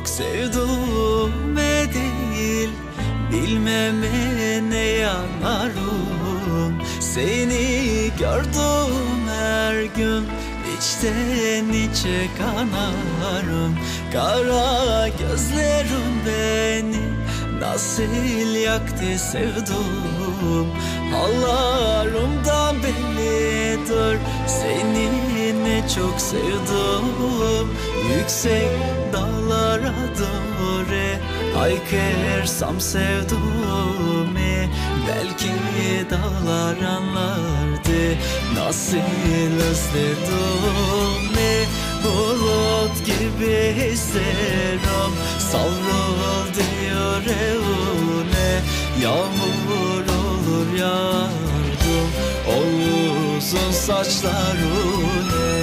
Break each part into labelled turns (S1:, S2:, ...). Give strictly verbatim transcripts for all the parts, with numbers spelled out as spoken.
S1: çok sevduğume değil, bilmeme ne yanarım. Seni gördüm her gün, içten içe kanarım. Kara gözlerim beni nasıl yaktı sevdum. Hallarımdan bellidir seni ne çok sevdim. Yüksek dağlara doğru haykırsam sevduğumu, belki dağlar anlardı nasıl özledim. Bulut gibi hislerim savruldu yüreğine. Yağmur olur yardım o uzun saçlarına.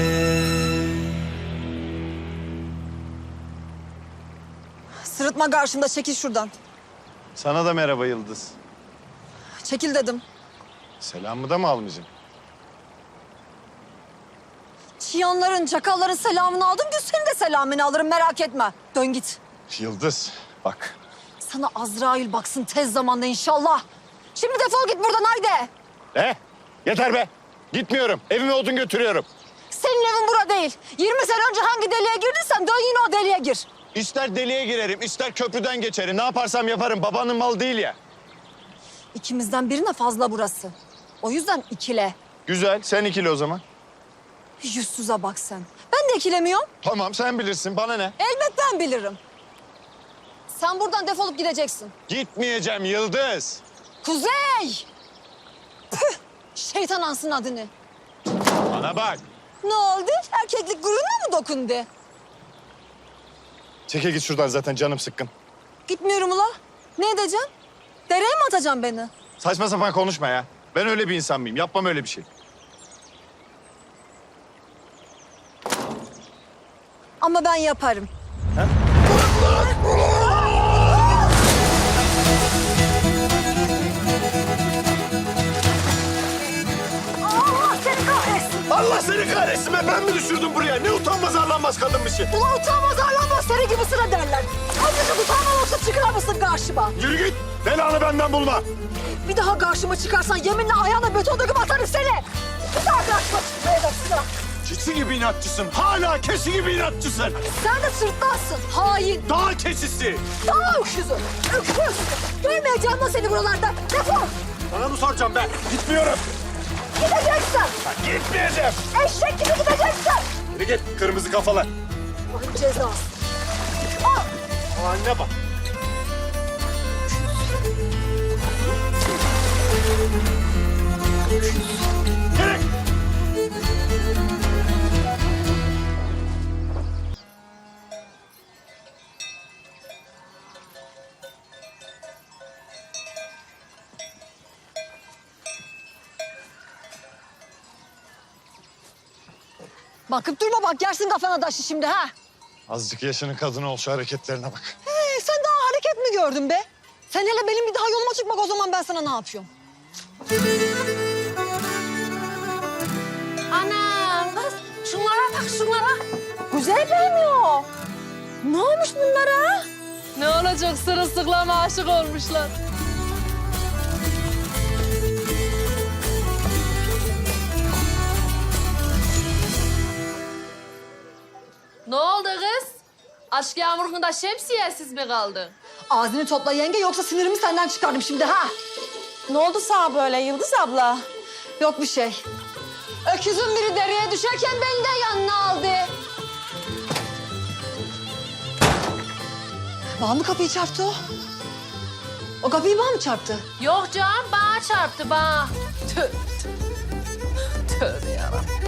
S2: Sırıtma karşımda, çekil şuradan.
S3: Sana da merhaba Yıldız.
S2: Çekil dedim.
S3: Selamımı da mı almayacağım?
S2: Çıyanların, çakalların selamını aldım. Gün senin de selamını alırım, merak etme. Dön git.
S3: Yıldız bak.
S2: Sana Azrail baksın tez zamanda inşallah. Şimdi defol git buradan haydi.
S3: Ne? Yeter be. Gitmiyorum. Evime odun götürüyorum.
S2: Senin evin bura değil. yirmi sene önce hangi deliğe girdiysen dön yine o deliğe gir.
S3: İster deliğe girerim, ister köprüden geçerim. Ne yaparsam yaparım. Babanın malı değil ya.
S2: İkimizden birine fazla burası. O yüzden ikile.
S3: Güzel. Sen ikili o zaman.
S2: Yüzsüze bak sen. Ben de ikilemiyorum.
S3: Tamam sen bilirsin. Bana ne?
S2: Elbet ben bilirim. Sen buradan defolup gideceksin.
S3: Gitmeyeceğim Yıldız.
S2: Kuzey! Püh! Şeytan ansın adını.
S3: Bana bak.
S2: Ne oldu? Erkeklik gururuna mı dokundu?
S3: Çeke git şuradan, zaten canım sıkkın.
S2: Gitmiyorum ula. Ne edeceğim? Dereye mi atacaksın beni?
S3: Saçma sapan konuşma ya. Ben öyle bir insan mıyım? Yapmam öyle bir şey.
S2: Ama ben yaparım.
S3: Ha?
S2: Allah seni kahretsin!
S3: Allah seni kahretsin be! Ben mi düşürdüm buraya? Ne utanmaz arlanmaz kadınmışsın.
S2: Ula utanmaz arlanmaz seni gibisine derler. Azıcık utanmamakla çıkar mısın karşıma?
S3: Yürü git! Belanı benden bulma!
S2: Bir daha karşıma çıkarsan yeminle ayağına beton döküp atarım seni. Bir daha karşıma çıkmaya da sıra.
S3: Keçi gibi inatçısın. Hala keçi gibi inatçısın.
S2: Sen de sırtlansın. Hain.
S3: Dağ keçisi.
S2: Daha öküzü. Öküz. Görmeyeceğim lan seni buralarda. Defol.
S3: Sana mı soracağım ben? Gitmiyorum.
S2: Gideceksin.
S3: Ben gitmeyeceğim.
S2: Eşek gibi gideceksin.
S3: Yürü git kırmızı kafalı.
S2: Allah'ın cezası. Al.
S3: Haline bak. Yürü.
S2: Bakıp durma bak yersin kafana taşı şimdi ha.
S3: Azıcık yaşının kadını ol, şu hareketlerine bak.
S2: Ee, sen daha hareket mi gördün be? Sen hele benim bir daha yoluma çıkmak, o zaman ben sana ne yapıyorum? Anam kız şunlara bak şunlara. Güzel beğeniyor. Ne olmuş bunlara?
S4: Ne olacak, sırılsıklama aşık olmuşlar. Ne oldu kız? Aşk yağmurunda şemsiyesiz mi kaldın?
S2: Ağzını topla yenge, yoksa sinirimi senden çıkardım şimdi ha.
S4: Ne oldu sana böyle Yıldız abla?
S2: Yok bir şey. Öküzün biri dereye düşerken beni de yanına aldı. Bana mı kapıyı çarptı o? O kapıyı bana mı çarptı?
S4: Yok canım, bana çarptı bana. Tövbe, tövbe. Tövbe yarabbim.